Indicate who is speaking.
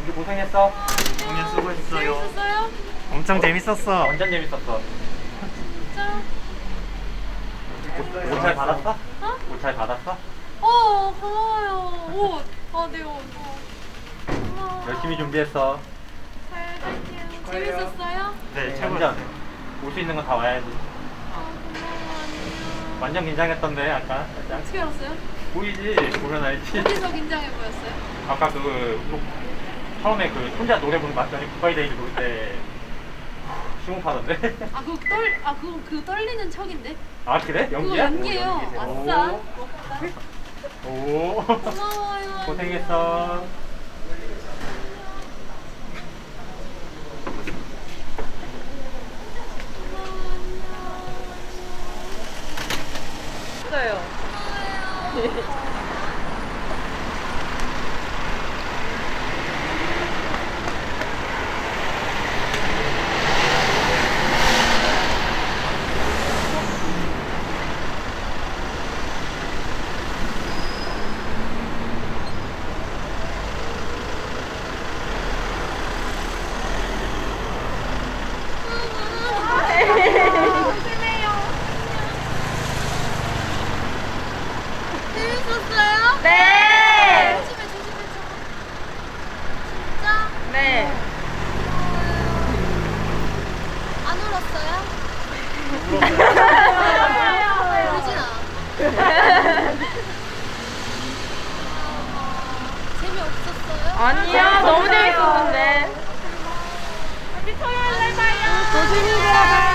Speaker 1: 우리 고생했어.
Speaker 2: 공연 수고했어요.
Speaker 3: 재밌었어요?
Speaker 2: 엄청 재밌었어.
Speaker 1: 완전 재밌었어.
Speaker 3: 진짜?
Speaker 1: 옷 잘 받았어?
Speaker 3: 어?
Speaker 1: 옷 잘 받았어?
Speaker 3: 고마워요. 옷. 네, 옷. 고마워.
Speaker 1: 열심히 준비했어.
Speaker 3: 잘 갈게요. 재밌었어요?
Speaker 2: 네,
Speaker 1: 완전.
Speaker 2: 최고였어요.
Speaker 1: 올 수 있는 건 다 와야지.
Speaker 3: 고마워. 안녕.
Speaker 1: 완전 긴장했던데 아까 살짝.
Speaker 3: 어떻게 알았어요?
Speaker 1: 보이지? 보면 알지.
Speaker 3: 어디서 긴장해 보였어요?
Speaker 1: 아까 처음에 혼자 노래 부르는 거 봤더니 굿바이데이를 부를 때 심호흡하던데.
Speaker 3: 그거 떨리는 척인데?
Speaker 1: 아 그래?
Speaker 3: 그거
Speaker 1: 연기야?
Speaker 3: 연기예요.
Speaker 1: 오,
Speaker 3: 아싸.
Speaker 1: 오.
Speaker 3: 고마워요.
Speaker 1: 고생했어.
Speaker 4: 있어요.
Speaker 3: 재밌었어요?
Speaker 4: 네.
Speaker 3: 조심해. 진짜?
Speaker 4: 네.
Speaker 3: 안 울었어요? 울진 않아. 재미없었어요?
Speaker 4: 아니요, 너무 재밌었는데. 우리 토요일 날 봐요. 조심히 들어가.